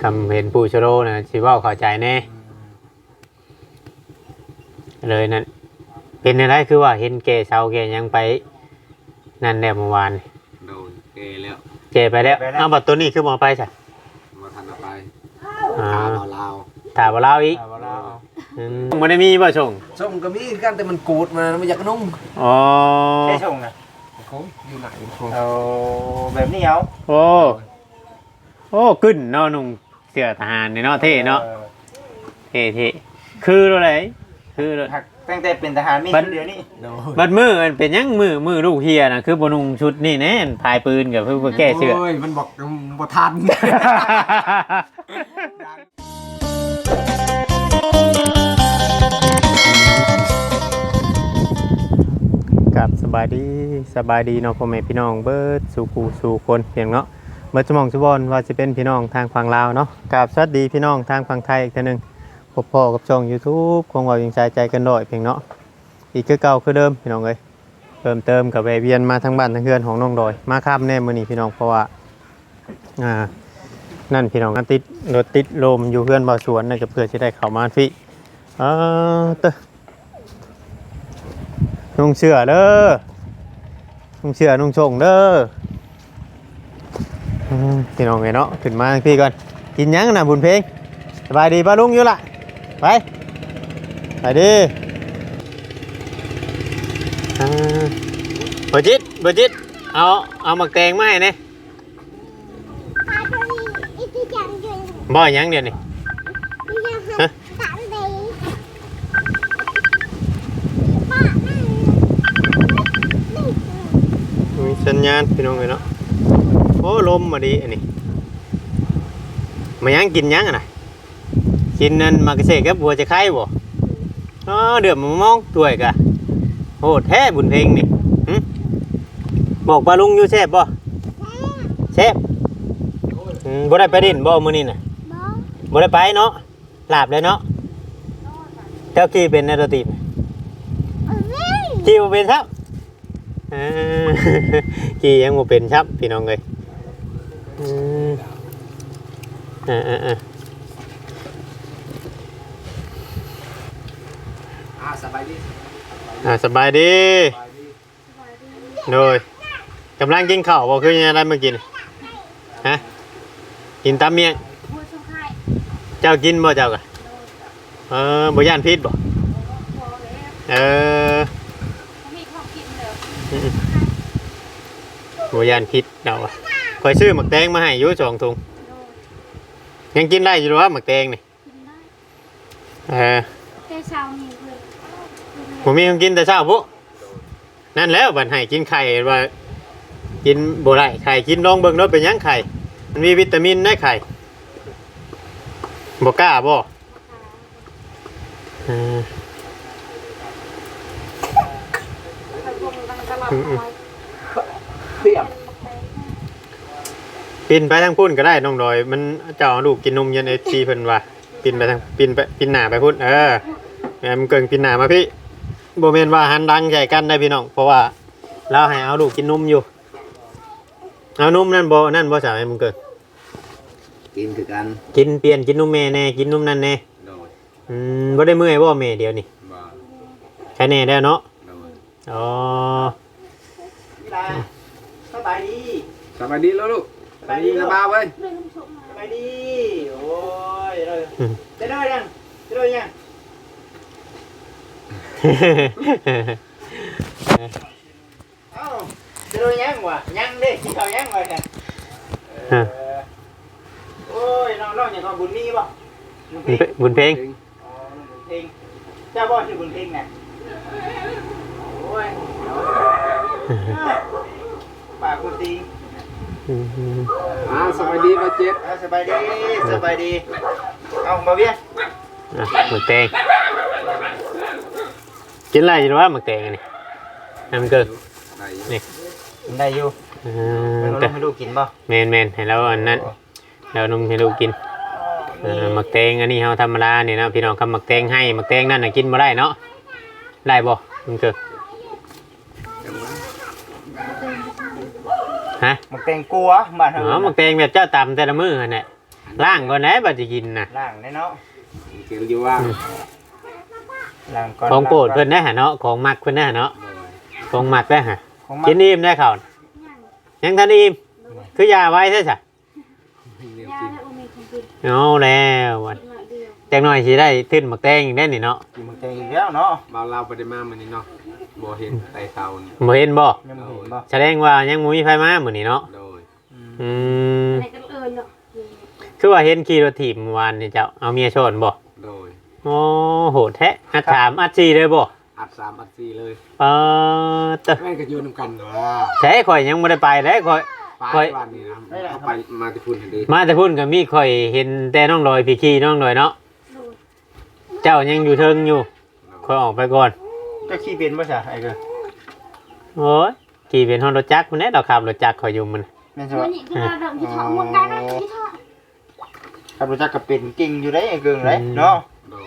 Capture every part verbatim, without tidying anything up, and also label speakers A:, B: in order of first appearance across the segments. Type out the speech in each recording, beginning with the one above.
A: คำเห็นผู้ชโลนะสิเว้าเข้าใจแน่เลยนั่นเป็นอะไรคือว่าเห็นแกเช้าแกยังไปนั่นแหละเมื่อวาน
B: โดนเกแล้ว
A: แกไปแล้วเอาบัตรตัวนี้คือมอไปใช่
B: มาทันเอาไป
A: อ่า
B: ถามเอาลาว
A: ถามว่าเราอีกอืมมันได้มีบ่ชง
B: ส่งก็มีกันแต่มันกูดมาไม่อยากนุ่ง
A: อ๋อ
C: ใช่ชงนะ
B: เขาอยู่ไหนเขา
C: เอาแบบนี้เอา
A: โอ้โอ้ขึ้นเนาะนุ่งเสื้อทหารเนาะเท่เนาะเท่เท่คืออะไรคือ
C: หักตั้งแต่เป็นทหารมี
A: บั
C: ชุ
A: ด
C: ดเดียวนี่
B: โดน
A: บัดมือมันเป็นยังมือมือลูกเฮียนะคือบนุงชุดนี่แน่นพายปืนกับเพื่อแก้เสื้อ
B: โอ้ยมันบอกบ่ทัน
A: กับสบายดีสบายดีเนาะพ่อแม่พี่น้องเบิร์ดสู่กูสู่คนเพียงเนาะเบิร์ดสมองสุบอนว่าจะเป็นพี่น้องทางฝั่งลาวเนาะกับสวัสดีพี่น้องทางฝั่งไทยอีกทีหนึงพบพ่อกับช่อง YouTube คงว่ายังใจใจกันด้อยเพียงเนาะอีกคือเก่าคือเดิมพี่น้องเอ้ยเพิ่มเติมกับแวะเวียนมาทางบ้านทางเฮือนของน้องดอยมาค่ำแน่มื้อนี้พี่น้องเพราะว่าอ่านั่นพี่น้องติดรถติดลมอยู่เฮือนบ่าวสวนน่ะก็เพื่อจะได้เข้ามาฟรีเออเตอนุ่งเสื้อเด้อนุ่งเสื้อนุ่งชงเด้ออืมพี่น้องไงเนาะขึ้นมาพี่ก่อนกินยังนะบุญเพลงสบายดีป้าลุงอยู่ละไปไปดิอ่าเบอร์จิตเบอร์จิตเอาเอาหมักแตงมาให้เนี่ยบ่อยยังเดี๋ยวนี้ฮะมีสัญญาณพี่น้องเลยเนาะโอ้ลมมาดีอันนี้มายังกินยังอ่ะนะกินนั่นมากระเสกกับบัวจะไข่บ่อ๋อเดือดมามองตัวยกะโหแท้บุญเพลงนี่หึบอกปลาลุงอยู่แซ่บบ่แซ่บอืมบ่ได้ไปดินบ่มื้อนี้น่ะบ่ได้ไปเนาะลาบเลยเนาะเจ้ากี่เป็นในตัวตีบกี่บ่เป็นครับอ่า กี่ยังบ่เป็นครับพี่น้องเอ้ยอืมอ่าๆๆ
B: อ่าสบายดี
A: อ่าสบายดีโดยกำลังกินข้าวบ่คือยังไงเมื่อกี้ฮะกินตามเมียงเจ้ากินบ่เจ้ากะเออบ่ย่านพิษบ่เออบ่ย่านพิษเดาอ่ะคอยซื้อหมักแตงมาให้อยู่สองถุงยังกินได้อยู่หรอวะหมักแตงนี่เออผมมีคนกินแต่เช้าปุ๊นั่นแล้วบัดให้กินไข่ว่ากินบ่ได้ไข่กินลองเบิ่งเนาะเป็นหยังไข่มันมีวิตามินในไข่บ่กล้าบ่เออ
B: เปรี้ยว
A: ปินไปทางพุ่นก็ได้น้องดอยมันเจ้าเอาลูกกินนมยัน เอฟ ซี เพิ่นว่าปินไปทางปินไปปินหน้าไปพุ่นเออแม่มันเกิงปินหน้ามาพี่บ่แม่นว่าหันดังใส่กันได้พี่น้องเพราะว่าเราให้เอาลูกกินนมอยู่เอานมนั่นบ่นั่นบ่สาวให้มึงเกิง
B: กินคือกัน
A: กินเปลี่ยนกินนมแม่แน่กินนมนั่นแน่
B: โดน
A: อืมบ่ได้เมื่อยบ่แม่เดี๋ยวนี้
B: บ่
A: แค่แน่แล้วเนาะ
B: โดน
A: อ๋อ
C: สบายดี
B: สบายดีแล้วลูกสบายดีสบายเว้ย
C: สบายดีโอ้ยเลยจะได้ยังจะได้ยังเอ้าจะได้ยังวะยังดิกินข้าวยังวะกันโอ้ยน้องๆอย่างของบุญมีป่ะ
A: บุญเพลง
C: อ๋อบุญเพลงเจ้าบ่ชื่อบุญเพลงน่ะโอ้ยปากคุณตี
B: อ่าสบายดีป่ะเจ็ด
C: สบายดีสบายดีเอามาเบี้ย
A: อ่ะหมึกแตงกินอะไรอยู่วะหมึกแตงอันนี่น้ำเกินนี่
C: ได้อยู่
A: เออ
C: เรา
A: แต่
C: ให้ลูกกินป่ะ
A: แมนแมนให้เราอันนั้นเรานมให้ลูกกินเออหมึกแตงอันนี้เราธรรมดาเนี่ยนะพี่น้องคำหมึกแตงให้หมึกแตงนั่นน่ะกินมาได้เนาะได้บ่มันเกิดฮะ
C: หมึกแตงกลัวบ้านเฮา
A: อ๋อหมึกแตงแบบเจ้าตำแต่ละมื้อนั่นแหละ
B: อัน
A: ล้างก่อนไหนบัดสิกินน่ะ
C: ล่างแน่เนาะ
B: เกี่ยวอยู่ว่า
C: ล่างก่อน
A: ของโปรดเพิ่นได้หะเนาะของมักเพิ่นได้หะเนาะของมักได้หะ
C: ของ
A: กินอิ่มได้ข้าวยังทันอิ่มคือยาไว้ใช่จ้ะ
B: เรียบ
D: ยา
B: กิน
D: และโอเมก้ากิน
A: เอาแล้ววัน
D: หน่อยเดียว
A: จักหน่อยสิได้ขึ้นหมักแตงอีกได้นี่เนาะ
C: กินมันใจอีกแล้วเนาะ
B: บ่าวเราไปได้มามื้อนี้เนาะบ่เห็นไตเตานี่
A: บ่เห็นบ่
C: ยังบ่เห็นบ่
A: แสดงว่ายังบ่มีไฟมามื้อนี้เนาะ
B: โดย
A: อืม
D: อะไรกันเอ่ยเนาะ
A: คือว่าเห็นขี่รถถีบเมื่อวานนี่เจ้าเอาเมียชนบ่
B: โดย
A: โอ้โหดแท้อัดถามอัดสี่เลยบ่
B: อัดสามอัดสี่เลย
A: เออตะ
B: แม่งก็อยู่นำกันเนาะ
A: ใช่ข่อยยังบ่ได้ไปเลยข่อย
B: ไปวันนี้นะเขาไปมาที่พุ่นทันที
A: มาแต่พุ่นก็มีข่อยเห็นแต่น้องลอยพี่ขี่น้องลอยเนาะ
D: ดู
A: เจ้ายังอยู่เทิงอยู่ข่อยออกไปก่อน
C: เจ้าขี้เป็นบ่ซะไอ้เด้อ
A: โอ้ยขี่เป็นฮอนรถจักรพุ่นแน่ดอกขับรถจักรข่อยอยู่มัน
C: แม่นสิ
D: วั
C: ว่าน
D: นี้ก็เราดมที่ท้องมันกันนะที่ท้อง
C: ขับรถจักรก็เป็นเก่งอยู่ได้ไอ้เกิงเลยเนาะ
B: โดย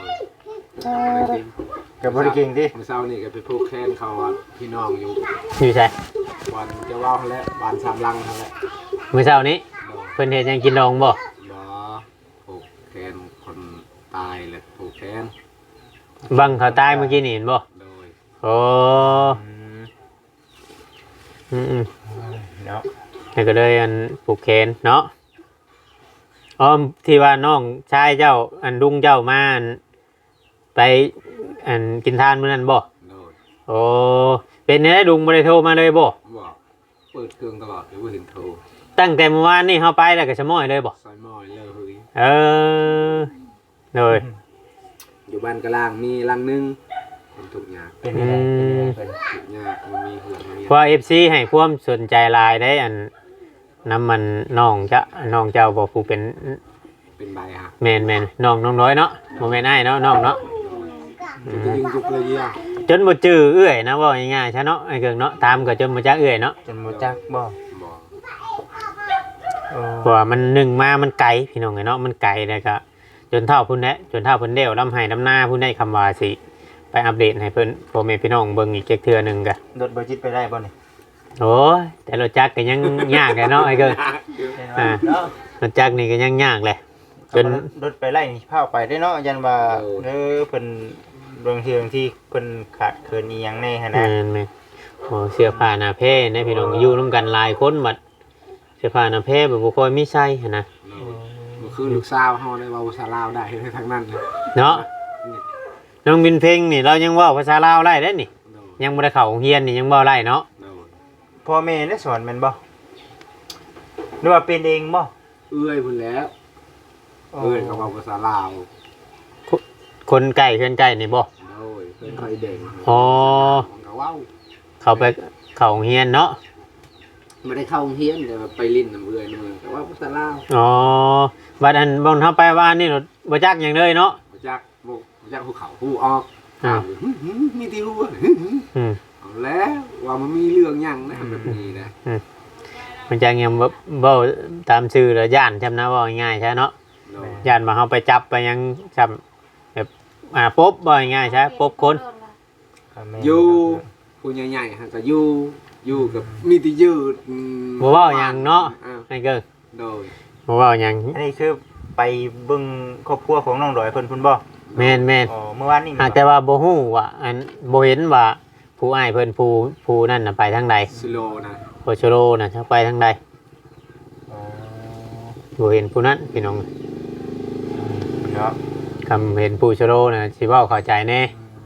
C: ก็บ่ได้เก่งติ
B: เมื่อเช้านี่ก็ไปผูกแขนเขาว่าพี่น้องอยู่
A: อยู่ใช่
B: วันจะว่าวเขาแล้ววันสามลังเขาแล้ว
A: มื้อเช้านี้
B: โดย
A: เพิ่นเฮ็ดหยังกินดองบ่
B: บ่ผูกแขนคนตายเลยผูกแขน
A: บังเขาตายเมื่อกี้นี่เห็นบ่
B: โดย
A: โอ้
C: อืม
A: อืมอืม
C: เนาะ
A: แล้วก็เลยอันผูกแขนเนาะอ๋อที่ว่าน้องชายเจ้าอันลุงเจ้ามาอันไปอันกินทานมื้อนั้นบ่
B: โดย
A: โอ้เป็นไงลุงบ่ได้โทรมาเลยบ่
B: บอกเปิดเครื่องตลอดหรือว่าเห็นโทร
A: ตั้งแต่เมื่อวานนี่เฮาไปแล้วก็ชะม้อยเลยบ่
B: ซอยมอยเลยเฮ้ย
A: เออเลย
B: อยู่บ้านกะล่างมีลังหนึงเป็นทุกอย่าง
C: เป็นยังไงเป็นยังไงเพิ่น
B: ทุกอย่างมันมีเหือนมี
A: เพราะ เอฟ ซี ให้ความสนใจหลายได้อันน้ำมันน้องจะน้องเจ้าบ่ผู้เป็น
B: เป็นใบฮะ
A: แม่นแม่นน้องน้องน้อยเนาะบ่แม่นอ้ายเนาะน้องเนาะ
B: มันจะยิงจุกเลยเยี่ย
A: จนบ่จื้อเอื้อยนะเว่าง่ายๆซะเนาะไอ้เกิงเนาะตามก็จนบ่จักเอื้อยเนาะ
C: จนบ่จักบ่
B: บอก
C: โอ้
A: เพราะว่ามันหนึ่งมามันไกลพี่น้องไงเนาะมันไกลแล้วก็จนเท่าพุ่นแหละจนเท่าเพิ่นเดี่ยวลำไห้ลำหน้าพุ่นได้คำว่าสิไปอัปเดตให้เพิ่นพ่อแม่พี่น้องเบิ่งอีกจักเทื่อหนึงก็
C: รถบ่จิตไปได้บ่นี่
A: โอ้ยแต่รถจักรก็ยังยากเลยเนาะไอ้เกิง อ่า
C: เนาะ
A: รถจักรนี่ก็ยังยากเลยจน
C: รถไปไล่นี่พาไปได้เนาะยันว่าเด้อเพิ่นบางทีบางที่เพิ่นขาดเคินอีหยังแน่หั่น
A: แม่
C: นะ
A: นแม่นโอ้เสื้อผ้าหน้าแพร่นะพี่น้องอยู่ร่วมกันหลายคนบัดเสื้อผ้าหน้าแพร่แบบบ่ค่อยมีใส่หั้นนะ
B: เมื่อคืนลูกสาวเขาได้เว้าภาษาลาวได้ทั้งนั้นเลย
A: เนาะน้องบินเพลงนี่เรายังเว้าภาษาลาวได้เด้นี่ยังบ่ได้เข้าโรงเรียนนี่ยังเว้าได้เนาะ
C: พ่อแม่ได้สอนแม่นบ่หรือว่าเป็นเองบ่
B: เอื้อยพุ่นแล้วเอื้อยเขาเว้าภาษาลาว
A: คนใกล้เพื่อนใกล้นี่บ่
B: โอ้ยเพิ่นเคยเด่ง
A: อ๋อ
B: มันก็เว้า
A: เขาไปเข้าโรงเรียนเนาะ
B: ไม่ได้เข้าโรงเรียนแต่ว่าไปลิ้นน้ำเอื้อยน้ำเมืองแต่ว่าภาษาลาว
A: อ๋อบัดอันบ่นเฮาไปว่านี่รถบ่จักหยังเลยเนาะ
B: บ่จักบ่บ่จักภูเขาผู้ออก
A: อ่า
B: หึหึมีที่รู้ว่า
A: อืม
B: เอาแล้วว่ามันมีเรื่องหยังนะแบบนี้นะ
A: มันจักยังบ่เว้าตามชื่อแล้วย่านจำนะเว้าง่ายๆใช่เนาะ
B: โดย
A: ย่านว่าเฮาไปจับไปหยังจำแบบอ่าปบบ่ง่ายๆใช่ปบคน
B: อยู่ผู้ใหญ่ๆฮะก็อยู่อยู่กับมีที่ยืดอืม
A: บ่เว้าหยังเนาะ
B: อ้าว
A: ไอ้เกิง
B: โดย
A: บ่เว้าหยัง
C: อันนี้คือไปเบิ่งครอบครัวของน้องดอยเพิ่นพุ่นบ่
A: แม่นแม่น
C: อ๋อเมื่อวานนี้
A: หากแต่ว่าบ่ฮู้ว่าอันบ่เห็นว่าผู้อ้ายเพิ่นผู้ผู้นั่นน่ะไปทางใด
B: สโลนะ
A: โคชโรน่ะจะไปทางใด
C: อ๋อ
A: บ่เห็นผู้นั้นพี่น้อง
C: เนาะ
A: คำเห็นผู้ชโรน่ะสิเว้าเข้าใจแน่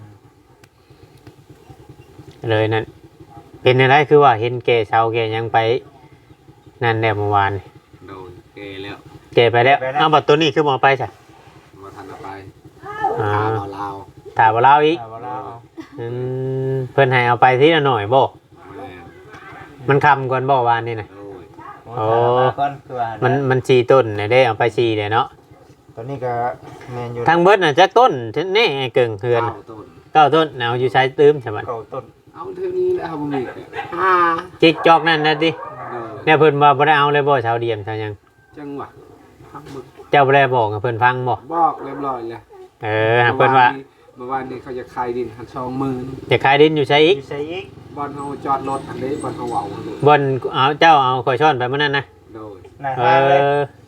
A: เลยนั่นเป็นอะไรคือว่าเห็นแก่เช้าแก่หยังไปนั่นแหละเมื่อวาน
B: โดยเกแล้ว
A: แก่ไปแล้วเอาบัดตัวนี้คือบ่ไปซะ
B: มาทันเอาไป
A: อ่า
B: ถามเอาลาว
A: ถ้าบ่เล่าอีก
C: เอาบ่ล่ะเอา
A: อืมเพิ่นให้เอาไปทีละหน่อยบ่
B: แม่
A: มันคำก่อนบ่วานนี่น่ะ
B: โดย
C: โอ้ถามมาก่อนคือว่า
A: มั
C: มัน
A: มันสี่ต้นน่ะเด้เอาไปสี่เด้เนาะ
C: ตอนนี้ก็แม่นอยู่
A: ทางเบิดน่ะจักต้นแน่ไอ้เกิงเฮือน
B: เก้าต้น
A: เก้าต้นเอาอยู่ใช้ตื้มใช่มั้ย
C: เก้าต้น
B: เอาเท่านี้แล้วครับผมอีกห้า
A: จิกจอกนั่นน่ะติ
B: โดย
A: เนี่ยเพิ่นว่าบ่ได้เอาเลยบ่ชาวเดียมชาวหยัง
B: จังหวะพักมึก
A: เจ้าบ่ได้บอกให้เพิ่นฟังบ่
B: บอกเรียบร้อยแล้ว
A: เออหากเพิ่นว่า
B: เมื่อวานนี้เขาจะขายดินหันสองหมื่น
A: จะขายดินอยู่ใช้อีก
C: อยู่ไสอีก
B: บอลเขาจอดรถอันนี้บอลเขาเหว่า
A: บนเอาเจ้าเอาข่อยช้อนไปมื้อนั้นนะ
B: โดย
C: หน้า
A: เอ
C: ห้างเลย
A: อ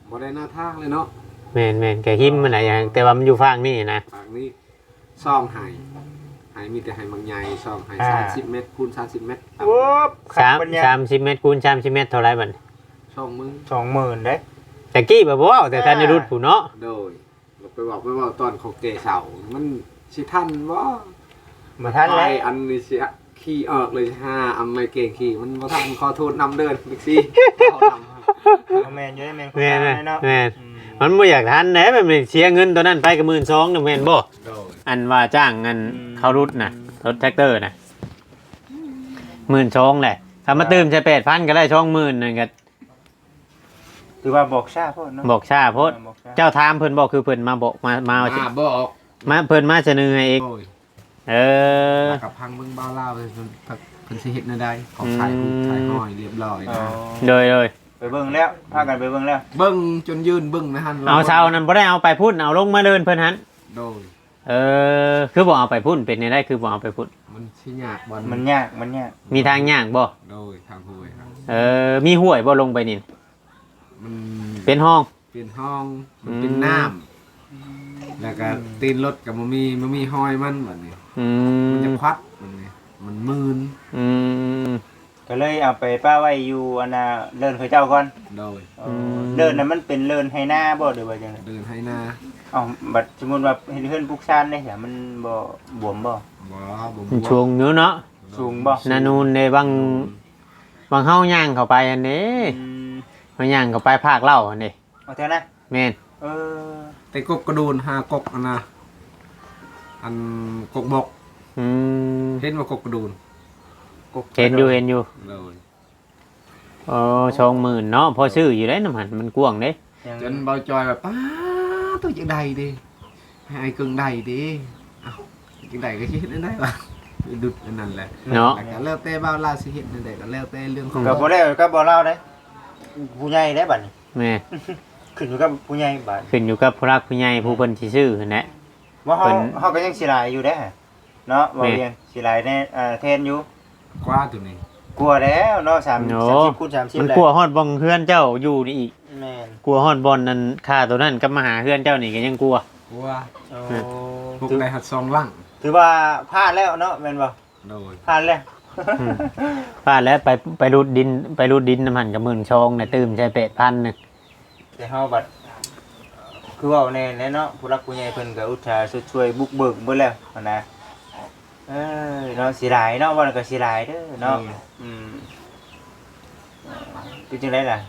B: บ่ได้หน้าทางเลยเนาะ
A: แม่นแม่นแกหิมมันน่ะอย่างแต่ว่ามันอยู่ฝั่งนี่นะ
B: ทางนี้ซ่องไห้ไห้มีแต่ไห้บางใหญ่ซ่องไห้สามสิบเมตรคูณสามสิบเมตร
C: โอ้ขั
A: สาม
C: ปัญญา
A: สามสิบเมตรคูณสามสิบเมตรเท่าไหร่บัด
B: ช่องมึง
C: สองหมื่นเด้
A: แต่กี้บ่บ่แต่ท่านได้รุดผู้เนาะ
B: โดยเราไปบอกไปบอกตอนเขาเกเสามันสิทันบ่
C: มาทัน
B: ไป
C: แล้ว
B: อันนี้สิขี่ออกเลยห้าอันไม่เก่งขี่มันบ่ทันขอโทษนำเดินบิ๊กซี่เอานำ
C: เอาแมนอยู่ได้แมน
A: แม่น
C: คนเนาะ
A: แม่น
C: อืม
A: มันบ่อยากทันแหน่แบบนี้เสียเงินตัวนั้นไปก็หมื่นสองน่ะแม่นบ่
B: โดย
A: อันว่าจ้างเงินเขารุดน่ะรถแท็กเตอร์น่ะหมื่นสองแหละถ้ามาเติมใช้แปดพันก็ได้ช่องหมื่นนั่นก็
C: ถือว่าบอกชาพ่อเนาะ
A: บอกชาโพด
C: บอกชา
A: เจ้าถามเพิ่นบอกคือเพิ่นมาบอกมามาเอา
B: มาบอก
A: มาเพิ่นมาเสนอให้เอง
B: โดย
A: เออ
B: มากับพังเบิ่งบ้าวลาวเลยเพิ่นเพิ่นสิเฮ็ดแนวใดขอถ่ายรูปถ่ายห้อยเรียบร้อย
C: อ๋อ
B: นะ
A: โดยโดย
C: ไปเบิ่งแล้วพากันไปเบิ่งแล้ว
B: เบิ่งจนยืนเบิ่งนะฮั่น
A: เอาเช้านั้นบ่ได้เอาไปพุ่นเอาลงมาเดินเพิ่นหัน
B: โดย
A: เออคือบ่เอาไปพุ่นเป็นในได้คือบ่เอาไปพุ่น
B: มันสิยากบ่
C: มันยากมันยาก
A: มีทางย่างบ่
B: โดยทางห้วยครับ
A: เออมีห้วยบ่ลงไปนี่
B: มัน
A: เป็นห้อง
B: เป็นห้องมัน
A: อืม
B: เป็นน้ำแล้วก็ตีนรถก็บ่มีบ่มีห้อยมันบัดนี้
A: อื
B: มัน
A: ม
B: จะควัดมันนี่มันมืน
A: อืม
C: ก็เลยเอาไปป้าไว้อยู่อันน่ะเลินเขาเจ้าก่อน
B: โดย
C: เออเลินน่ะมันเป็นเลินให้หน้าบ่หรือว่าจังได๋
B: เดินให้หน้า
C: เอ้าบัดสมมุติว่าเฮ็ดเฮือนปลูกชานได้จ้ะมันบ่บวมบ่
B: บ่บ่
A: มันช่วงอยู่เนาะ
C: สูงบ่
A: นานูนในบางบางเฮาย่างเข้าไปอันนี้
C: อืม
A: มาย่างเข้าไปภาคเล่าอันนี้
C: เอาเท่านั้น
A: แม่น
C: เออ
B: แต่กกกระโดนหากกอันน่ะอันกกบก
A: อืม
B: เห็นว่ากกกระโดน
A: เห็นอยู่เห็นอยู่
B: เลย
A: โอ้ชองหมื่นเนาะพอซื้ออยู่ได้น้ำหันมันกว้างเด้
C: ยัง
B: จนเบาจอยแบบป้าตัวจังใดดิให้ไอ้กึ่งใดดิเอ้าจังใดก็สิเฮ็ดได้ล่ะดุดอันนั้นแหละ
A: เนาะ
B: แล้วก็แล้วแต่บ่าวลาวสิเฮ็ดจังใดก็แล้วแต่เรื่องของ
C: ก็บ่ได้ก็บ่เล่าได้ผู้ใหญ่ได้บัดนี้
A: แม่
C: ขึ้นอยู่กับผู้ใหญ่บัด
A: ขึ้นอยู่กับผู้รักผู้ใหญ่ผู้เพิ่นสิซื้อนั่นแหละ
C: ว่าเฮา
A: เพิ่น
C: เฮาก็ยังสิหลายอยู่เด้เนาะบ่
A: แม่
C: เรียนสิหลายแน่เอ่อแทนอยู่
B: กว่าตัวนี้
C: กลัวแล้วเนาะสาม
A: โอ้
C: สามสิบคูณสามสิบ
A: มัน
C: แล้ว
A: กลัวฮอดบ่งเฮือนเจ้าอยู่นี่อีก
C: แม่น
A: กลัวฮอดบ่อนนั้นค่าตัวนั้นกับมาหาเฮือนเจ้านี่ก็ยังกลัว
B: กว่า
C: โอ้
B: พวก
C: ถือ
B: ได้หัดซองล่าง
C: ถือว่าพลาดแล้วเนาะแม่นบ่
B: โดย
C: พลาดแล้ว
A: อืม ป้าแล้วไปไปรูดดินไปรูดดินน้ำหันกับหมื่นชองน่ะตื่มใช้เป็ดพันหนึง
C: แต่เฮาบัดคือเว่าแน่แน่เนาะผู้รักผู้ใหญ่เพิ่นก็อุตส่าห์ช่วยบุกเบิกเบิดแล้วหั่นนะเอ้ยเนาะสิหลายเนาะว่าแล้วก็สิหลายเด้อเนาะอืมเอ่อเป็นจังไดล่ะ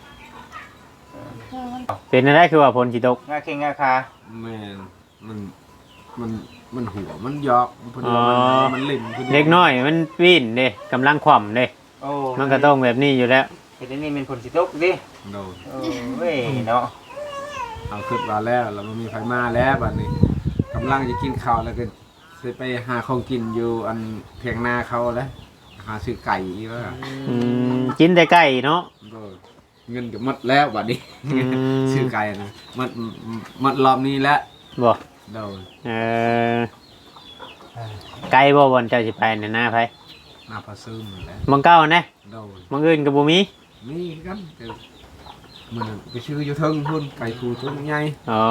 A: เป็นอะไรคือว่าผลสิตก
C: งาเข่งงาคา
B: แม่นมันมันมันหัวมันยอกมันเพิ่น
A: อ๋อ
B: ว่ามันมันเล่นพิ่
A: เล็กน้อยมันวิ่นเด้กำลังขว่ำเด้
C: โอ้
A: มันก็ต้องแบบนี้อยู่แล้ว
C: เฮ็ดอันนี้เป็นผลสิตกดิ
B: โดย
C: โอ้ยเนาะ
B: เอาขึ้นมาแล้วแล้วมันมีไฟมาแล้วบัดนี้กำลังจะกินข้าวแล้วก็สิไปหาของกินอยู่อันเถียงนาเขาแล้วหาซื้อไก่อีกว่า
A: อืมกินแต่ไก่เนาะ
B: ก็เงินก็หมดแล้วบัดนี้
A: อืม
B: ซื้อไก่นะหมดหมดรอบนี้แล้ว
A: บ่
B: โดย
A: เออไก่บ่บอนเจ้าสิไปน่ะหน้าไผ
B: หน้าพะซึมนั่นแหล้ว
A: มังเก้านะ
B: โดย
A: มังอื่นก็บ่มี
B: นี่กันเดี๋ยวมันไปซื้ออยู่เทิงพุ่นไก่คูตัวใหญ่
A: อ๋อ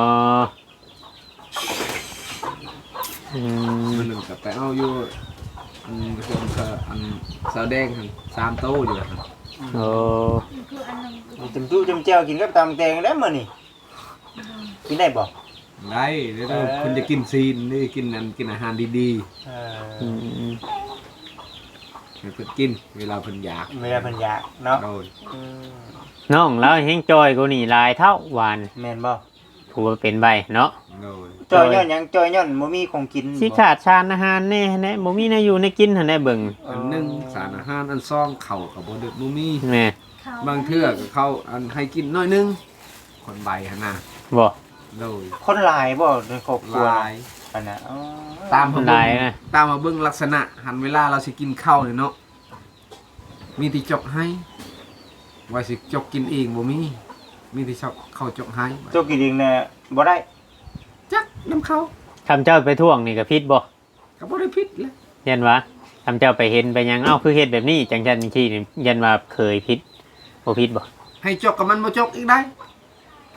A: อืม
B: มันหนึ่งกับไปเอาอยู่อันส่วนก็อันสาวแดงหั่นสามโต๊ะอยู่หั่น
A: โอ้
D: คืออันนึง
C: มีจำจุจำแจ่วกินกับตำแตงแล้วมื้อนี่กินได้บ่
B: ได้เดี๋ยว
C: เออ
B: คุณจะกินซีนนี่กินอันกินอาหารดี
C: เอ
A: อื
C: อ
A: ม
B: ๆให้เพิ่นกิน เวลาเพิ่นอยาก
C: เวลาเพิ่นอยากเนาะ
B: โดย
C: อืม
A: น้องแล้วเฮงจอยกูนี่หลายเท่าหวาน
C: แม่นบ่
A: กูว่าเป็นใบเนาะ
B: โดย
C: จอยย้อนหยังจอยย้อนบ่มีของกิน
A: สิ
C: บ่
A: ขาดชานอาหารแน่แน่บ่มีแน่อยู่ในกินหั่นแน่เบิ่ง
B: อันหนึ่งสารอาหารอันซองเข่ากับบ่เดือดบ่มี
A: แม่
D: เขา
B: บางเทื่อก็เขาอันให้กินน้อยหนึงคนใบหั่นน่ะ
A: บ่
B: โดย
C: คนหลายบ่ในครอบครัว
B: ลาย
C: อันน่ะอ๋อ
B: ตามมา
A: ห
B: เบิ่
A: ลาย
B: ง
A: นะ
B: ตามมาเบิ่งลักษณะ หันเวลาเราสิกินข้าวนี่เนาะมีที่จกให้ว่าสิจกกินเองบ่มีมีที่ชอบเข้าจกให้
C: โจกกินเองน่ะบ่ได้
B: จักน้ำเขา
A: คำเจ้าไปท่วงนี่ก็ผิดบ่
B: ก็บ่ได้ผิดแหละ
A: ยันว่าคำเจ้าไปเห็นไปหยังเอ้าคือเฮ็ดแบบนี้จังซั่นจังซี่นี่ยันว่าเคยผิดบ่ผิดบ่
B: ให้จกกับมันบ่จกอีกได้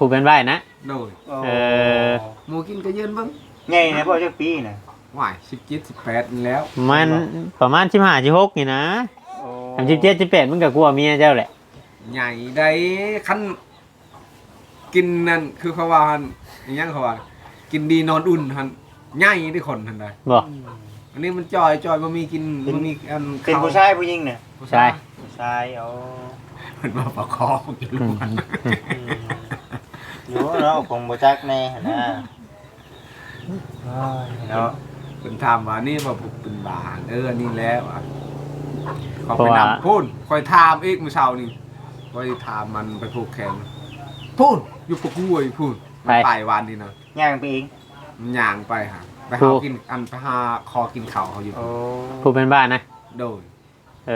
A: ผู้เป็นบ้านนะ
B: โดย
C: โอ้
A: เออ
B: หมูกินก็ยืนเบ้าง
C: ใหญ่นะพ่อจักปีน่ะ
B: ว่ายสิบเจ็ดสิบแปดนี่แล้ว
A: มันประมาณสิบห้าสิบหกนี่นะ
C: โอ้
A: ทำสิบเจ็ดสิบแปดมันก็กลัวเมียเจ้าแหละ
B: ใหญ่ได้ขั้นกินนั่นคือเขาว่าหั่นอหยังเขาว่ากินดีนอนอุ่นหันใหญ่ได้คนทันใด
A: บอก
B: อันนี้มันจอยจอยบ่มีกินบ่มีอัน
C: เป็นผู้ชายผู้หญิงน่ะ
B: ผู้
A: ใช่
B: ชาย
C: ผู้ชายเอา
B: เพิ่นมาประคองอยู่ลูกมัน
C: อยู่เนาะคงบ่จักแน่หั่นนะโอ้ยเนาะ
B: เพิ่นถามว่านี่ว่าผมเป็นบาเอออันนี้แล้วอ่ะเขาไปนำพูนคอยถามอีกมื้อเช้านี่คอยถามมันไปผูกแขนพูนอยู่ปกห้วยพูนมันไปวันนี้นะ
C: ย่างไปเอง
B: มันย่างไปหาไปหากินอันไปหาคอกินข้าวเขาอยู่
C: โอ้
A: ผู้เป็นบ้านนะ
B: โดย
A: เอ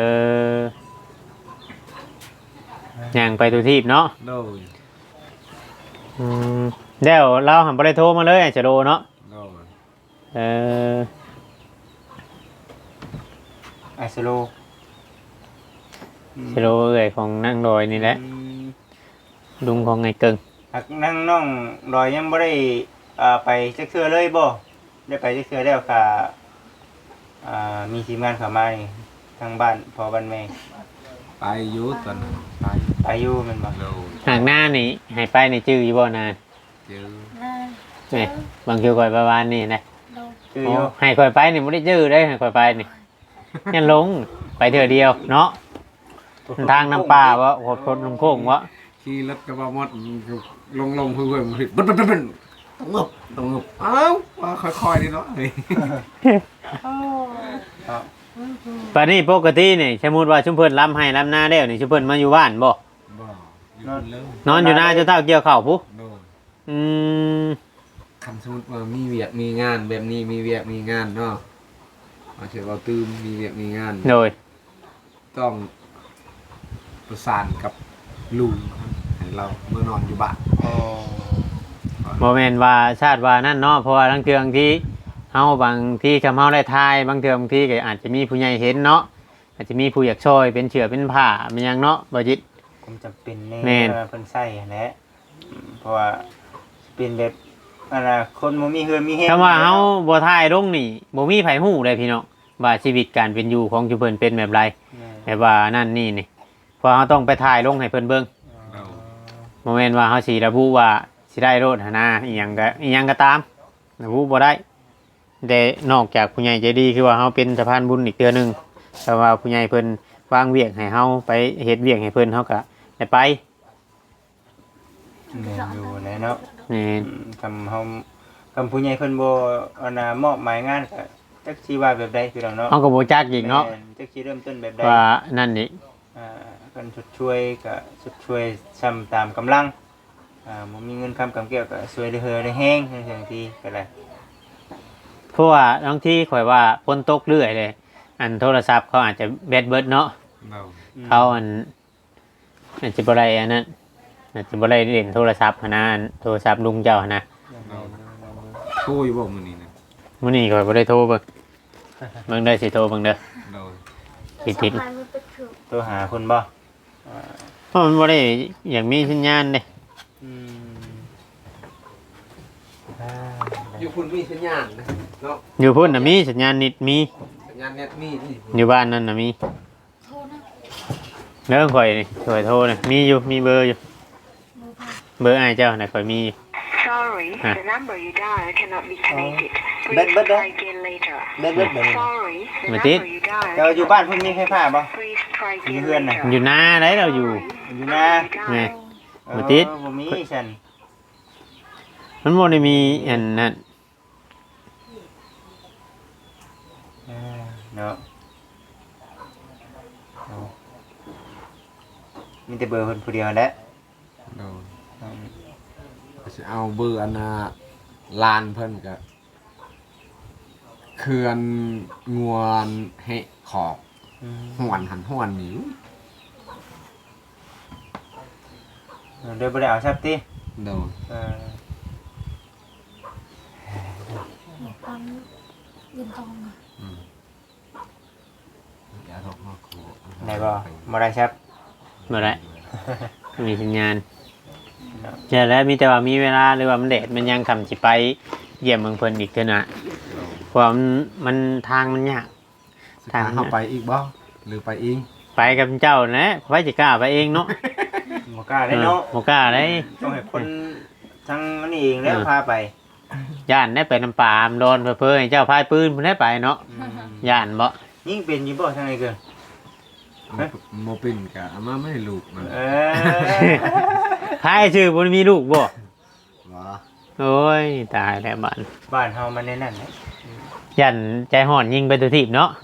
A: อย่างไปตัวทีบเนาะ
B: โดย
A: อืมเดี๋ยวเราหันไปได้โทรมาเลยจะโดเนาะ
B: โดย
A: เออ
C: ไอสโล
A: จะโดเอ่ยของนั่งดอยนี่แหละ
C: อืม
A: ลุงของไงเกิง
C: หักนั่งน้องดอยยังบ่ได้อ่าไปจักเทื่อเลยบ่ได้ไปจักเทื่อแล้วค่ะอ่ามีทีมงานเข้ามานี่ทางบ้านพ่อบ้านแม่
B: ไปอยุตอนนั้นไป
C: ไปอยู่แมันบ่
B: โดย
A: หากหน้านี่ให้ไปในจื้ออยู่บ่นาน
B: เจอ
A: นี่บางคิวคอยประวานนี่นะ
C: คือ
A: โอ้
C: อยู่
A: ให้คอยไปนี่ไม่ได้จื้อได้ให้คอยไปนี่ยันลงไปเถื่อเดียวเนาะทางน้ำป่าวะโหดคนลงโค้งวะ
B: ขี่รถกระบะมดลงลงเพื่อนๆมันบึ้นบึ้นบึ้นต้องงบต้องงบอ้าวว่าค่อยๆดีเนาะเฮ้ย
C: ครับ
A: ปานนี้ปกตินี่สมมุติว่าชุมเพิ่นล้ำให้ล้ำหน้าแล้วนี่ชุมเพิ่นมาอยู่บ้านบ่
B: บ่อยู่คนเริ่ม
A: นอนอยู่หน้าจนเท่าเกี่ยวข้าวพุ
B: โดน
A: อืม
B: คำสมมติว่ามีเวียกมีงานแบบนี้มีเวียกมีงานเนาะมาเฉยว่าตื่นมีเวียกมีงาน
A: โดย
B: ต้องประสานกับลุงให้เราเมื่อนอนอยู่บ้าน
C: โอ้
A: บ่แม่นว่าชาติว่านั่นเนาะเพราะว่าทั้งเทื่องที่เฮาบางที่คำเฮาได้ทายบางเทื่อบางที่ก็อาจจะมีผู้ใหญ่เห็นเนาะอาจจะมีผู้อยากช่วยเป็นเชือเป็นผ้าเป็นหยังเนาะบ่จิต
C: ผมจำเป็นแน่
A: แม่น
C: ว่าเพิ่นใส่แหละอืมเพราะว่าเป็นแบบอันน่ะคนบ่มีเฮือนมีเฮ็ด
A: คำว่าเฮาบ่ทายลงนี่บ่มีไผฮู้เลยพี่น้องว่าชีวิตการเป็นอยู่ของชุมเพิ่นเป็นแบบไร
C: แม่น
A: แบบว่านั่นนี่นี่เพราะเฮาต้องไปถ่ายลงให้เพิ่นเบิ่ง
B: เรา
A: บ่แม่นว่าเฮาสิระบุว่าสิได้โลดหันนะอีหยังก็อีหยังก็ตามระบุบ่ได้แต่นอกจากผู้ใหญ่ใจดีคือว่าเฮาเป็นสะพานบุญอีกเทื่อหนึงแต่ว่าผู้ใหญ่เพิ่นวางเวียกให้เฮาไปเฮ็ดเวียกให้เพิ่นเฮาก็ได้ไป
C: แม่นอยู่แหละเนาะ
A: นี่
C: อืมคำเฮาคำผู้ใหญ่เพิ่นบ่อันน่ะมอบหมายงานก็จักสิว่าแบบใดพี่น้องเนาะ
A: เฮาก็บ่จักอีกเนาะ
C: แม่จักสิเริ่มต้นแบบใด
A: ว่านั่นนี่
C: อ่าเพิ่นชดช่วยก็ชดช่วยซ้ำตามกำลังอ่าบ่มีเงินคำกำเกี่ยวก็ช่วยได้เฮือได้แฮงจังซี่ก็ได้
A: เพราะว่าบางทีข่อยว่าฝนตกเรื่อยเลย อันโทรศัพท์เขาอาจจะแบตเบิดเนาะ
B: เรา
A: เขาอันอาจจะบ่ได้อันนั้นอาจจะบ่ได้เล่นโทรศัพท์หั้นนะอันโทรศัพท์ลุงเจ้าหั้นนะ
B: ช่วยบอกมือนี้นะ
A: มื้อนี้ข่อยบ่ได้โทรเบิ่งเบิ่งได้สิโทรเบิ่งเด้อ
B: เรา
A: ผิดผิด
C: โทรหาคนบ่อ่า
A: เพราะมันบ่ได้อย่างมีสัญญาณเด้
C: อืมอ่า
B: อยู่คุณมีสัญญาณนะเนาะ
A: อยู่พุ่นน่ะมีสัญญาณนิดมี
B: สัญญาณเน็ตมีนี่
A: อยู่บ้านนั่นน่ะมีเด้อข่อยนี่ข่อยโทรน่ะมีอยู่มีเบอร์อยู่เบอร์อ้ายเจ้าน่ะข่อยมีอยู่
E: Sorry,
A: Huh.
E: the number you dialed cannot be connected.
C: But-
E: Please
C: but
E: try
C: that-
E: again later.
C: เบ็ดเบ็ดแบบนี้
E: Sorry, the
A: Mà
E: number
A: tiếc.
E: you dialed
C: เราอยู่
E: cannot
C: บ้านเพิ่นมีไฟฟ้าบ่
E: Please try again
C: Như Huyền này.
E: later.
A: อยู่นาได้เราอยู่
C: อยู่นะ
A: นี่
C: เออ
A: บ่ติด
C: บ่มีฉัน
A: มันบ่ได้มีอันนั้น
C: อ่าเนาะเอามีแต่เบอร์เพิ่นผู้เดียวแหละ
B: เรา
C: อืม
B: จะเอาเบอร์อันน่ะลานเพิ่นกับเขื่อนงวนให้ขอบ
C: อืม
B: หวนหันหวนหนิว
C: เดี๋ยวบ่ได้เอาซับติ
B: โดน
C: เออ
B: อืมอย่าทกมาขอ
C: ได้บ่บ่ได้ซับ
A: บ่ได้มีสัญญาณ
C: ไเนาะ
A: ใช่แล้วมีแต่ว่ามีเวลาหรือว่ามันแดดมันยังคำสิไปเยี่ยมเมืองเพิ่นอีกเท่านะเพราะว่ามันมันทางมันยาก
B: ทางเข้าไปอีกบ่หรือไปเอง
A: ไปกับเจ้านะไว้จะกล้าไปเองเนาะ
C: บ่กล้าได้เนาะ
A: บ่กล้าได้
C: ต้องให้คนทั้งนี้เองแล้วพาไป
A: ย่านได้ไปน้ำป่ามโดนเพื่อให้เจ้าพายปืนเพิ่นได้ไปเนาะย่านบ่
C: ยิ่งเป็นอยู่บ่ทางไหนเกิน
B: โมเป็นกะอามาไม่ให้ลูกมัน
C: เออ
A: พายชื่อบ่มีลูกบ่
B: วะ
A: โอ้ยตายแล้วบ้าน
C: บ้านเฮามันในนั้นนะ
A: ย่านใจห่อนยิงไปตัวทีบเนาะ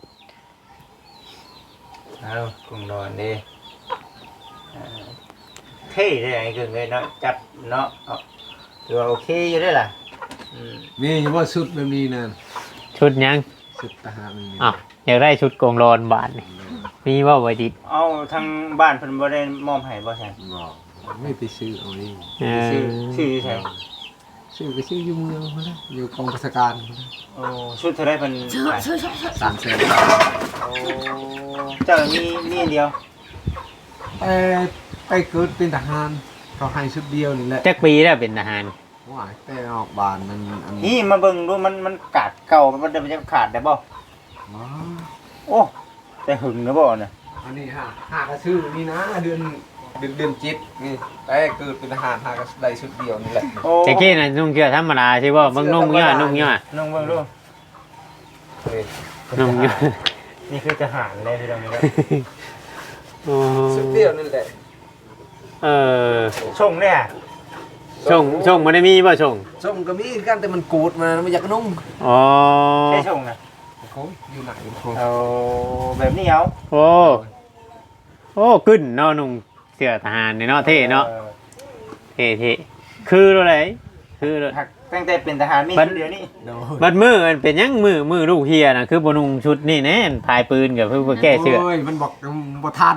C: เอาคงนอนเด้เออเท่ได้ไอ้เกินเลยเนาะจับเนาะเอาถือว่าโอเคอยู่ได้อล่ะอืม
B: นี่ยังว่าชุดแบบนี้นั่น
A: ชุดยัง
B: ชุดทหารมันมี
A: อ้าวอยากได้ชุดโกงโลนบาทนี่มีว่าไว้ดิ
C: เอาทางบ้านเพิ่นบ่ได้มอบให้บ่ใช่
B: บอกไม่ไปซื้อเอาเอง
A: เออ
C: ชื่อชื่ออยู่ไส
B: ซื้อไปซื้ออยู่เมืองมาแล้วอยู่กองราชการมาแล้ว
C: โอ้ชุดเท่าไรเพิ่นให้
B: สามแสน
C: โอ้เจ้ามีมีอันเดียว
B: ไปไปเกิดเป็นทหารเขาให้ชุดเดียวนี่แหละ
A: จักปีแล้วเป็นทหาร
B: ว่าแต่ออกบานมันอัน
C: นี่มาเบิ่งดูมันมันขาดเก่ามันจะมันจะขาดได้บ่
B: ว้า
C: โอ้แต่หึงนะบ่น่ะ
B: อันนี้ฮะหากระชื่อนี่นะเดือนเดือนเดือนจิตนี่แต่เกิดเป็นทหารหากระได้ชุดเดียวนี่แหละ
C: โอ้
A: จักกี้น่ะนุ่งเสื้อธรรมดาใช่บ่เบิ่งนุ่งย่อนุ่งย่อ
C: นุ่งเบิ่งดูเฮ้ย
A: นุ่งย่อ
C: นี่คือทหารเลยพี่น้องครับ
A: โอ้
B: ชุดเดียวนั่นแหละ
A: เออ
C: ส่งเนี่ย
A: ส่งส่งบ่ได้มีบ่ส่ง
B: ส้มก็มีกันแต่มันกูดมามันอยากนุ่ง
A: อ๋อ
C: ใช่ส่งนะ
B: โอ้ยอยู่ไหนโอ้ย
C: เอาแบบนี้เอา
A: โอ้โอ้กึ้นเนาะนุ่งเสื้อทหารนี่เนาะเท่เนาะ
C: ออ
A: เท่เท่คืออะไรคืออะไร
C: หักตั้งแต่เป็นทหารมี
A: บัด
C: ชุดเดียวนี่
B: โดน
A: บัดมือมันเป็นหยังมือมือลูกเฮียน่ะคือบ่นุ่งชุดนี่แน่นพายปืนกับเพื่อแก้เสื้อ
B: โอ้ยมันบอกบ่ทัน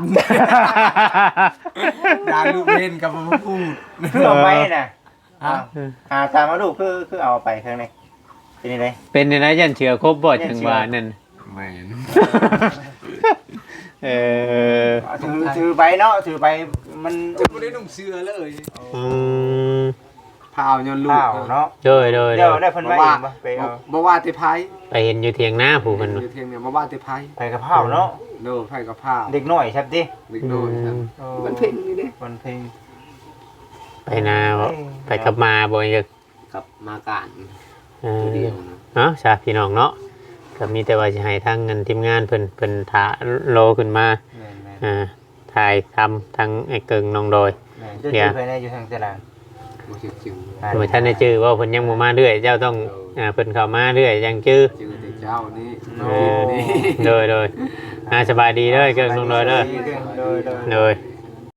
B: ด่าลูกเล่นกับมาพูด
C: คือเอาไปน่ะ
B: ฮะ
C: หาตามมาดูคือคือเอาไปข้างในเป็นยังไง
A: เป็นในนั้นยันเชือครบบ่จังหวะนั่น
B: แม่น
A: เออ
C: ถือถือใบเนาะถือใบมัน
B: จะไม่ได้นุ่งเสื้อเลย
A: อืม
B: พาวย้อนลูก
C: ข้าวเนาะ
A: โดยโดย
C: เดี๋ยว
A: โดย
C: ได้เพิ่น
B: บ่
C: ไว้
B: ว่า
C: เองบ่ไปเอา
B: บ่ว่าแต่ไผ
A: ไปเห็นอยู่เถียงหน้าผู้คน
B: อยู่เทียงเนี่ยบ่ว่าแต่ไผ
C: ไปกับข้าวเนาะ
B: โดนไผกับพาว
C: เด็กน้อยครับดิ
B: เด็กโดนครับ
C: มันเพ่งนี่ดิมันเพ่ง
A: ไปนาบ่ไปกลับมาบ่ยัง
B: กับมาการ
A: เออเนาะชาพี่น้องเนาะก็มีแต่ว่าจะให้ทางเงินทีมงานเพิ่นเพิ่นถาโลขึ้นมา
C: แม่นแม่น
A: อ่าถ่ายทำทั้งไอ้เกิงน้องโดย
C: แม่นจะถือไปในอยู่ทางตลาด
B: บ่ชื่อจึง
A: โดยท่านได้ชื่อว่าเพิ่นยังบ่มาเรื่อยเจ้าต้องอ่าเพิ่นเข้ามาเรื่อยยังชื่อ
B: จือแต่เจ้านี่
A: โอ้โดยโดยอ่าสบายดีเด้อเกิงน้องโดยเด้อ
C: โดยโดย
A: โดย